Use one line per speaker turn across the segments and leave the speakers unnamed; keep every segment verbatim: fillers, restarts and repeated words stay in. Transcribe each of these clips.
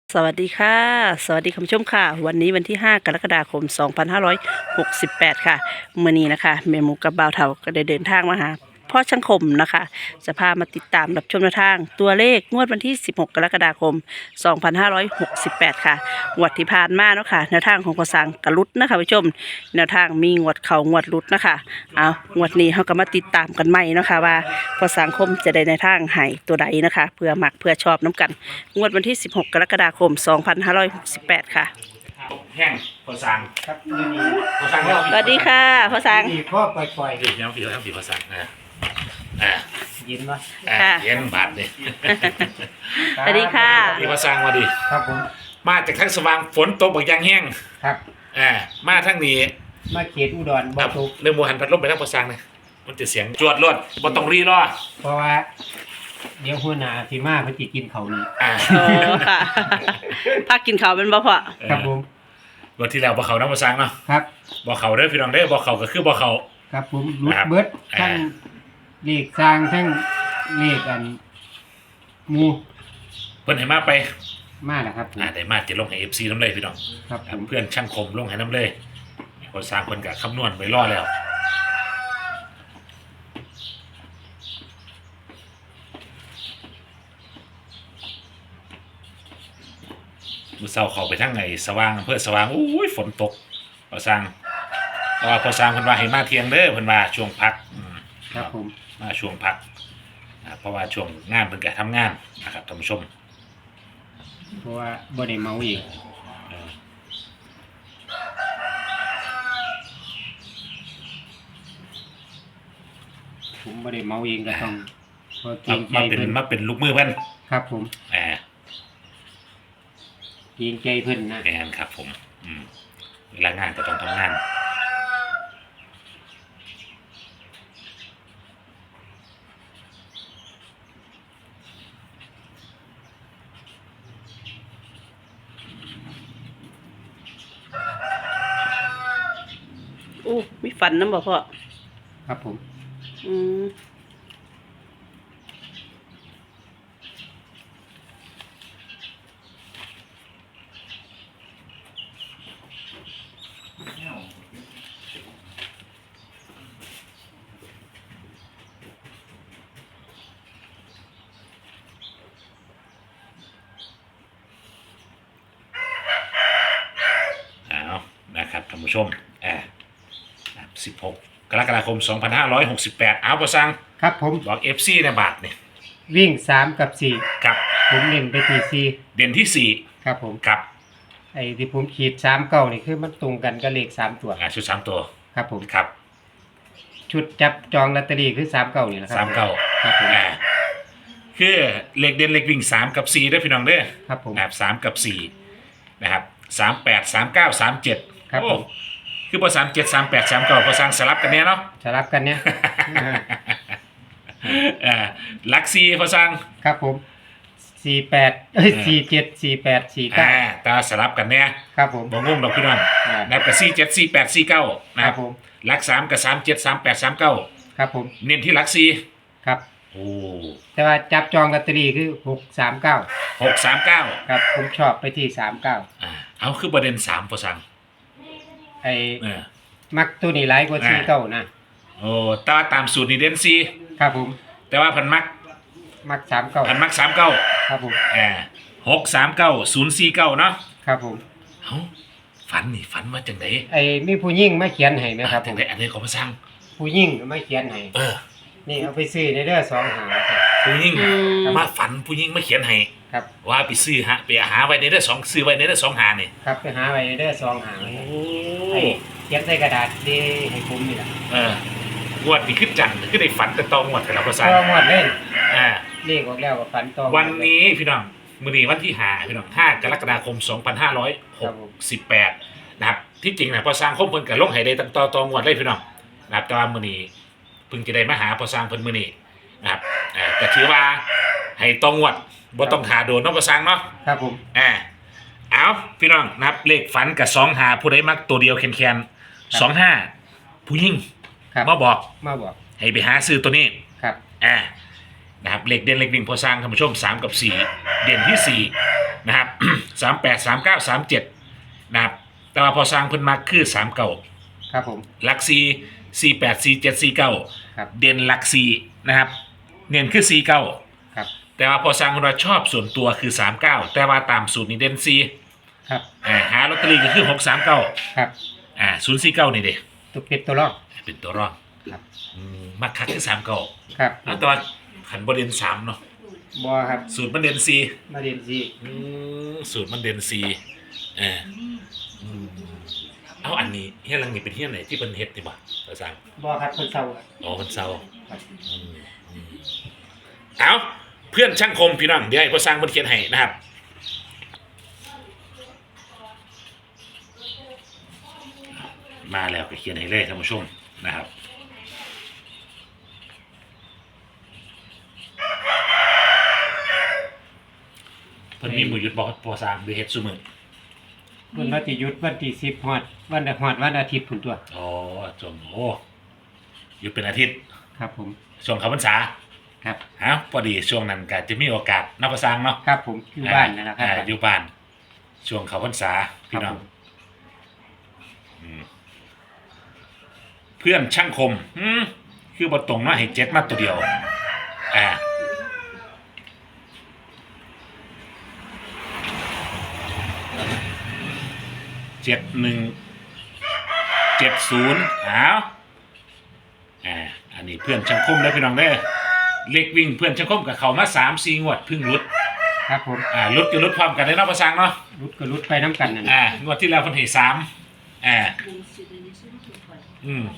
สวัสดีค่ะสวัสดีคุณผู้ชมค่ะวันนี้วันที่ห้ากรกฎาคมสองพันห้าร้อยหกสิบแปดค่ะมื้อนี้นะคะแม่หมูกับบ่าวเฒ่าก็ได้เดินทางมาหาพ่อช่างคมนะคะจะพามาติดตามรับชมแนวทางตัวเลขงวดวันที่สิบหกกรกฎาคมสองพันห้าร้อยหกสิบแปดค่ะงวดที่ผ่านมาเนาะค่ะแนวทางของพ่อสังกะลุดนะคะผู้ชมแนวทางมีงวดเข่างวดลุดนะคะเอางวดนี้เฮาก็มาติดตามกันใหม่เนาะค่ะว่าพ่อสังคมจะได้ในวทางให้ตัวใดนะคะเพื่อมักเพื่อชอบน้ำกันงวดวันที่สิบหกกรกฎาคมสองพันห้าร้อยหกสิบแปดค่ะ
แห้งพอสั่ง
ครับนี่มี
พอสั่งแล้ว
สวัสดีค่ะพ่อสัง
มีข้อปล่อย
ผิดยังผิดแล้วผิดพอสั่งนะอ่า
ๆยินวะ
อ่า
ค่ะ
เย็นบาทเลย
สวัสดีค่ะ
พี่พอสั่งมาดิ
ครับผม
มาจากทั้งสว่างฝนตกบักยางแห้ง
ครับ
อ่ามาทั้งนี้
มาเขตอุดร
ค
บ่
รับ
ทุก
เรื่องโมหันพัดลมไปทั้งพอสั่งนะมันจะเสียงจวดรวดบ่ต้องรีรอ
เพราะว่าเดี๋ยวหัวหน้าสิมาเพิ่นสิกินเขาวนี่
อ่า
โอ้ค่ะพักกินข้าวเป็นบ่พ่อ
ครับผม
วันที่แล้วบ่เขานะพอสั่งเนาะ
ครับ
บ่เขาเด้อพี่น้องเด้อบ่เขาก็คือบ่เขา
ครับผมรุด
ครับ
เบิด
อ่า
ทั้งเลขสร้างทั้งเลขอันหมู
เพิ่นให้มาไป
มาแล้วครับผม
อ่าได้มาจะลงให้ เอฟ ซี น้ำเลยพี่น้อง
ครับผม
เพื่อนช่างคมลงให้น้ำเลยพอสั่งเพิ่นก็คำนวณไว้รอแล้วมือเศร้าเข้าไปทั้งไงสว่างอำเภอสว่างอุ้ยฝนตกพอสั่งเพราะว่าพอสั่งเพิ่นว่าให้มาเที่ยงเด้อเพิ่นว่าช่วงพักอืม
ครับผม
มาช่วงพักอ่าเพราะว่าช่วงงานเพิ่นก็ทำงานนะครับท่านผู้ชม
เพราะว่าบ่ได้เมาอีก
เออ
ผมบ่ได้เมาเองก็ต้องเพอเกร
มาง
ใจ
มาเป็น
เพิ่น
มาเป็นลูกมือเพิ่น
ครับผม
อ่า
เกรงใจเพิ่นนะ
แอนครับผมอืมเวลางานก็ต้องทำงาน
อู้มีฝันน้ำบ่พ่อ
ครับผม
อืม
เอานะครับท่านผู้ชมแอบสิบหกกรกฎาคมสองพันห้าร้อยหกสิบแปดเอาประสัง
ครับผม
บอก เอฟ ซี ในบาทเนี่ย
วิ่งสามกับสี่
กับ
ผมเล่นไปที่สี่
เด่นที่สี่
ครับผม
กับ
ไอ้ที่ผมขีดสามเก้านี่คือมันตรงกันกับเลขสามตัว
อ่าชุดสามตัว
ครับผม
ครับ
ชุดจับจองลอตเตอรี่คือสามเก้านี่แหละครั
สามเก้า
ครับผม
อ่าคือเลขเด่นเลขวิ่งสามกับสี่ได้อพี่น้องเด้อ
ครับผม
นะครับสามกับสี่นะครับสามแปดสามเก้าสามเจ็ด
ครับผม
คือพอสามเจ็ดสามแปดสามเก้าพอสั่งสลับกันเนี่ยเนาะ
สลับกันเนี่ย
อ่าลักซีพอสั่ง
ครับผมสี่แปดเอ้ยสี่เจ็ดสี่แปดสี่เก้า
อ่าตาสลับกันเนี่ย
ครับผม
บ่งงดอกพี่น้อง
อ่า
นะครับกับสี่เจ็ดสี่แปดสี่เก้านะ
ค
ค
รั
รั
บบ ผม
ลักสามกับสามเจ็ดสามแปดสามเก้า
ครับผม
เน้นที่ลักสี่
ครับ
โอ้
แต่ว่าจับจองลอตเตอรี่คือหกสามเก้า
หกสามเก้า
ครับผมชอบไปที่สามเก้า
อ่าเอาคือประเด็นสามพอสั่ง
ไอ้
เออ
มักตัวนี้หลายกว่าสี่เก้านะ
โอ้ตาตามสูตรนี่เด่นสี่
ครับผม
แต่ว่าพันมัก
มักสามเก้า
พันมักสามเก้า
ครับผม
อ่าหกสามเก้าศูนย์สี่เก้าเนาะ
ครับผม
เอ้าฝันนี่ฝันมาจังไหน
ไอ้มีผู้หญิงมาเขียนให้ไหมครับผ
จัง
ม
ไหนอันนี้ของพระสั่ง
ผู้หญิงมาเขียนให้
เออ
นี่เอาไปซื้อในเด้อสองหาครับ
ผู้หญิง
อืม
มาฝันผู้หญิงมาเขียนให้
ครับ
ว่าไปซื้อฮะไปหาไว้ในเด้อสองซื้อไว้ในเด้อสองหานี่
ครับไปหาไว้ในเด้อสองหา
โอ้
ไอ้เขียนใส่กระดาษดีให้ผมนี่แหละ
เอองวดนี่คือจังคือได้ฝันแต่ตองงวดกันแล้วพระ
พ
สั่ง
อหมดเล่น
อ่า
เลขออกแล้วก็ฝันต่อ
วันนี้พี่น้องมื้อนี้วันที่ห้าพี่น้องห้ากรกฎาคมสองพันห้าร้อยหกสิบแปดนะครับที่จริงนะพอสร้างคมเพิ่นก็ลงให้ได้ตั้งต่อตองวดเลยพี่น้องนะครับแต่ว่ามื้อนี้เพิ่งจะได้มาหาพอสร้างเพิ่นมื้อนี้นะครับอ่าก็ถือว่าให้ตองวดบ่ต้องหาโดนเนาะพอสร้างเนาะ
ครับผม
อ่าเอาพี่น้องนะครับเลขฝันกับสองหาผู้ใดมักตัวเดียวแคนๆสองห้าผู้หญิง
ครับ
มาบอก
มาบอก
ให้ไปหาซื้อตัวนี้
ครับ
อ่านะครับเลขเด่นเลขวิ่งพอสร้างท่านผู้ชมสามกับสี่เด่นที่สี่นะครับสามแปดสามเก้าสามเจ็ดนะครับแต่ว่าพอสร้างเพิ่นมักคือสามเก้า
ครับผม
หลักสี่สี่แปดสี่เจ็ดสี่เก้า
ครับ
เด่นหลักสี่นะครับ เน้นคือสี่เก้า
ครับ
แต่ว่าพอสร้างคนเราชอบส่วนตัวคือสามเก้าแต่ว่าตามสูตรนี้เด่นสี่
ครับ
อ่าหาลอตเตอรี่ก็คือหกสามเก้า
ครับ
อ่าศูนย์สี่เก้านี่เด้
ตัวเป็ดตัวรอก
เป็นตัวรอง
ครับ
อืมมักคักคือสามเก้า
ครับ
แล้วแตอนขันบเด่นสามเนาะ
บอครับ
สูตรมันเด่นสี่
มาเรียนซี
อืมสูตรมันเด่นสี่เอออืมเอาอันนี้เฮียหลังนี่เป็นเฮียไหนที่เป็นเฮ็ดนี่บ่ภาษา
บอครับคนเศร้าครับ
อ๋อมันเศร้า
ครับ
อืมอืมเอาเพื่อนช่างคมพี่น้องเดี๋ยวให้พ่อสร้างเพิ่นเขียนให้นะครับมาแล้วก็เขียนให้เลยท่านผู้ชมนะครับเพิ่นมีมือหยุดบอกพ่อสร้างด้วยเฮ็ดซุมื้อ
วันวันที่หยุดวันที่สิบฮอดวันฮอดวันอาทิตย์ผุนตัว
อ๋อจงโอ้หยุดเป็นอาทิตย์
ครับผม
ช่วงเข้าพรรษา
ครับ
ฮะพอดีช่วงนั้นก็จะมีโอกาสนับประสังเนาะ
ครับผมอยู่บ้านนั่นแหละครั
อ่า
บ
อยู่บ้าน ช่วงเข้าพรรษาพี่น้อง
ครับผม
อืมเพื่อนช่างคมอืมคือบทตรงมาให้เจ็ดมาตัวเดียวอ่าเจ็ดหนึ่งเจ็ดศูนย์อ้าวอ่าอันนี้เพื่อนช่างคมแล้วพี่น้องเด้อเลขวิ่งเพื่อนช่างคมกับเขามาสามสี่งวดเพึ่งรุด
ครับผม
อ่ารุดก็รุดพร้อมกันได้เนาะประสังเนาะ
รุดก็รุดไปน้ำกันนั่น
อ่างวดที่แล้วเพิ่นให้สามอ่าอืม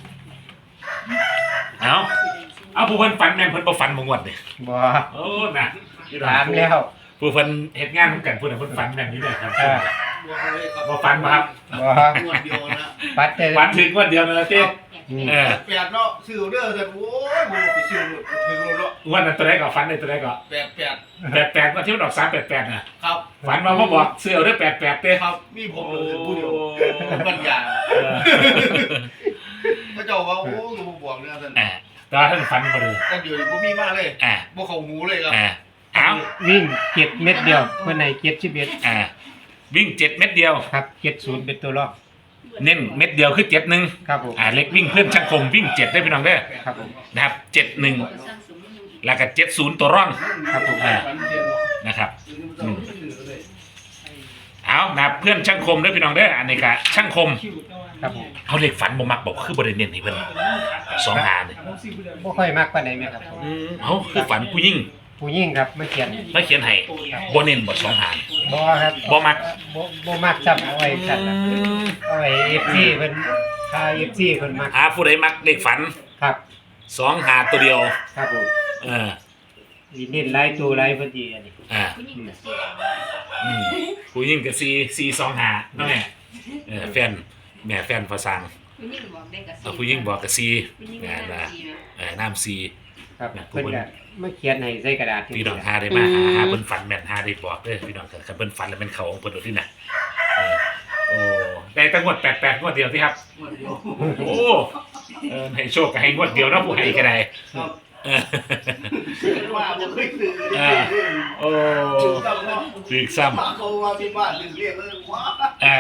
เอาเอาผู้เพิ่นฝันแม่นเพิ่นบ่ฝันบ่งวดเด้
บอ
โอ้น่ะ
ถามแล้ว
ผู้เพิ่นเฮ็ดงานนำกันผู้นั้นเพิ่นฝันแม่นอยู่เด้ครับ
เออ
บ่ฝันบ่ครับ
บอ
งวดเดียวนะ
ปัดแต่
ฝันถึงงวดเดียวนั่นล่ะติ
อืม
เออ
แปดเนาะซื้อเด้อแต่โอ้ยบ่ไปซื้อรถถึงรถเนาะ
งวดนั้นตัวใดก็ฝันได้ตัวใดก็
แปดแปด
แปดแปดว่าที่มันออกสามแปดแปดน่ะ
ครับ
ฝันว่าบ่บอกซื้อเอาเด้อแปดแปดเด้
ครับมีผมเลยผู้เดียวปัญญา
เออ
พระเจ้าว่าโอ้ก็บ่บอกเนี่ยท่าน
อ่าแต่ว่าท่านฝันบ่เลย
แต่เดี๋ยวนี้บ่มีมาเลย
อ่า
บ่เข้าหูเลยครับ
อ่าเอา
วิ่งเจ็ดเม็ดเดียวเมื่อไหนเจ็ดสิบเอ็ด
อ่าวิ่งเจ็ดเม็ดเดียว
ครับเจ็ดศูนย์เป็นตัวรอก
เน้นเม็ดเดียวคือเจ็ดหนึ่ง
ครับผม
อ่าเล็กวิ่งเพื่อนช่างคมวิ่งเจ็ดได้พี่น้องเด้อ
ครับผม
นะครับเจ็ดหนึ่งแล้วก็เจ็ดศูนย์ตัวร่อง
ครับผม
อ่านะครับอืมเอานะครับเพื่อนช่างคมด้วยพี่น้องเด้ออันนี้ก็ช่างคม
ครับผม
เอาเล็กฝันบ่มักบอกคือบริเน้นให้เพิ่นสองหาเนี่ย
บ่ค่อยมากปานใดแม่ครับผม
อืมเอาคือฝันผู้ยิ่ง
ผู้ยิ่งครับมาเขียน
มาเขียนให้บ่เน้นบ่สองหา
บ่ครับ
บ่มัก
บ่บ่มักจับเอาไว้จัดนะเอาไว้ เอฟ ซี เพิ่นถ้า เอฟ ซี เพิ่นมัก
หาผู้ใดมักเล็กฝัน
ครับ
สองหาตัวเดียว
ครับผม
เออ
สิเน้นหลายตัวหลายเพิ่นสิอันนี้
อ่า อืมผู้ยิ่งกับซีซีสองหาเนาะแม่เออแฟนแม่แฟนภาษาเอาผู้ยิ่งบอกกับซีแม่นะเออน้ำซี
ครับ
เนี่ย
เพิ่นก็มาเขียนให้ใส่กระดาษ
พี่น้องหาได้มาหาหาเพิ่นฝันแม่นหาได้บอกเด้อพี่น้องคันเพิ่นฝันแล้วเป็นเขาของเพิ่นโดดที่น่ะเออโอ้ได้ตั้งงวดแปดแปดงวดเดียวที่ครับ
งวดเดียว
โอ้เออให้โชคก็ให้งวดเดียวเนาะผู้ให้ก็ได้
ครับ
เออ
ว่าบ่เคยซื้อ
อ่า โอ้
ถึงซ้ำเนาะ
ถึกซ้ำ
มาเขาว่าที่บ้านถึงเรียกเลยว้า
อ่า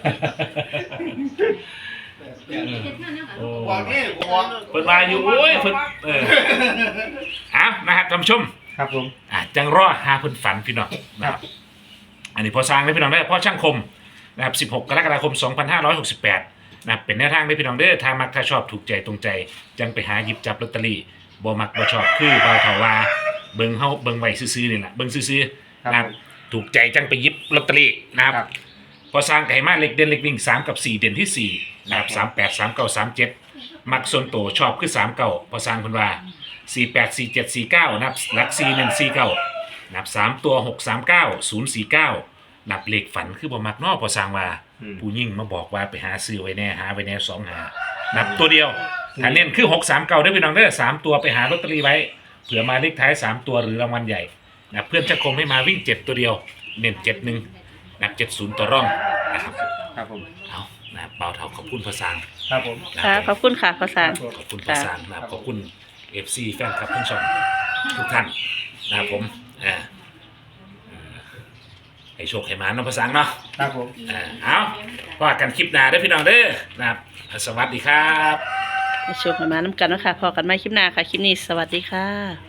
แปด
โอ้
บอกนี่บอก
เพิ่นมาอยู่โอ้ยเพิ่นเออเอานะครับท่านผู้ชม
ครับผม
อ่ะจังรอหาเพิ่นฝันพี่น้องนะครับอันนี้พอสร้างได้พี่น้องได้พ่อช่างคมนะครับสิบหกกรกฎาคมสองพันห้าร้อยหกสิบแปดนะครับเป็นแนวทางได้พี่น้องเด้อถ้ามักถ้าชอบถูกใจตรงใจจังไปหาหยิบจับลอตเตอรี่บ่มักบ่ชอบคือบ่าวเฒ่าว่าเบิ่งเฮาเบิ่งไว้ซื่อๆนี่แหละเบิ่งซื่อๆ
ครับ
นะครับถูกใจจังไปหยิบลอตเตอรี่นะครับ
ครับ
พอสร้างไก่มาเล็กเด่นเล็กวิ่งสามกับสี่เด่นที่สี่นะครับสามแปดสามเก้าสามเจ็ดมักส่วนโตชอบคือสามเก้าพอสร้างเพิ่นว่าสี่แปดสี่เจ็ดสี่เก้านับหลักสี่เน้นสี่เก้านับสามตัวหกสามเก้าศูนย์สี่เก้านับเลขฝันคือบ่มักเนอพอสร้างว่า
อืม
ผู้ยิ่งมาบอกว่าไปหาซื้อไว้แน่หาไว้แน่สองหานับตัวเดียวถ้าเน้นคือหกสามเก้าได้พี่น้องเด้อสามตัวไปหาลอตเตอรี่ไว้เผื่อมาเลขท้ายสามตัวหรือรางวัลใหญ่นะเพื่อนจะคงให้มาวิ่งเจ็ดตัวเดียวเน้นเจ็ดหนึ่งนับเจ็ดศูนย์ตัวร่องนะครับ
ครับผม
เอานะครับเบาเท่าขอบคุณภาษา
ครับผม
ค่ะขอบคุณค่ะภาษา
ขอบคุณภาษานะครับขอบคุณเอฟซีแฟนคลับทั้งช่องทุกท่านนะครับผมอ่าอ่าให้โชคให้หมาเนาะพ่อสังเนาะ
ครับผม
อ่าเอาพอกันคลิปหน้าเด้อพี่น้องเด้อนะครับสวัสดีครับ
ให้โชคให้มาน้ำกันเนาะคะพอกันไม่คลิปหน้าค่ะ คลิปนี้สวัสดีค่ะ